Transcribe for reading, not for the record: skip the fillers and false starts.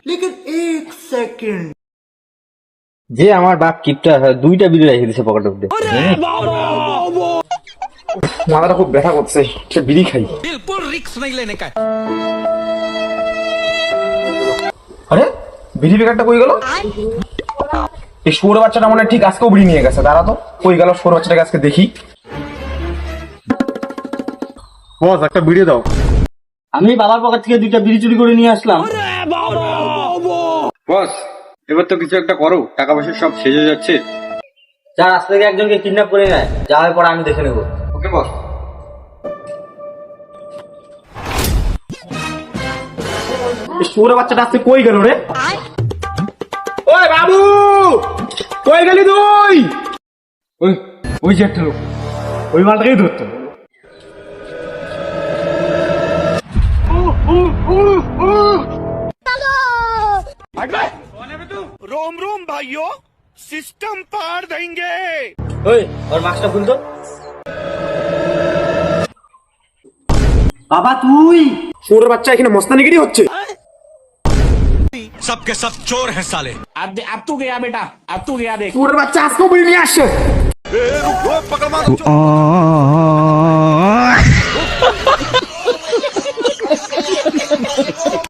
लेकिन एक सेकंड যে আমার বাপ কিপটা দুইটা বিড়ি রেখে দিছে পকেটের মধ্যে। মাথাটা খুব ব্যথা করছে, একটা বিড়ি খাই। बिल्कुल रिक्स नहीं लेने का। আরে বিড়ি প্যাকেটটা কই গেল? এই শুয়োর বাচ্চাটা মনে হয় ঠিক আজকেও বিড়ি নিয়ে গেছে। দাঁড়া তো, কই গেল শুয়োর বাচ্চাটাকে আজকে দেখি। বস একটা বিড়ি দাও। আমি বাবার পকেট থেকে দুইটা বিড়ি চুরি করে নিয়ে আসলাম। বস এবার তো কিছু একটা করো, টাকা পয়সা সব শেষ হয়ে যাচ্ছে। যা রাস্তা থেকে একজনকে কিডন্যাপ করে নেয়, যাওয়ার পর আমি দেখে নেবো। ওকে বস। এই শুয়োর বাচ্চাটা আজকে কই গেল রে? ওই বাবু, কই গেলি তুই? ওই ওই যে একটা লোক, ওই মালটাকেই ধরতো। रोम रोम भाइयों, सिस्टम पार देंगे। ওই ওর মাস্কটা খুলতো। বাবা তুই শুয়োর বাচ্চা এখানে মস্তানিগিরি হচ্ছে। सबके सब चोर हैं साले। अब तू गया बेटा, अब तू गया देख। শুয়োর বাচ্চা আজকেও বিড়ি নিয়ে আসছে। पकड़ मारो।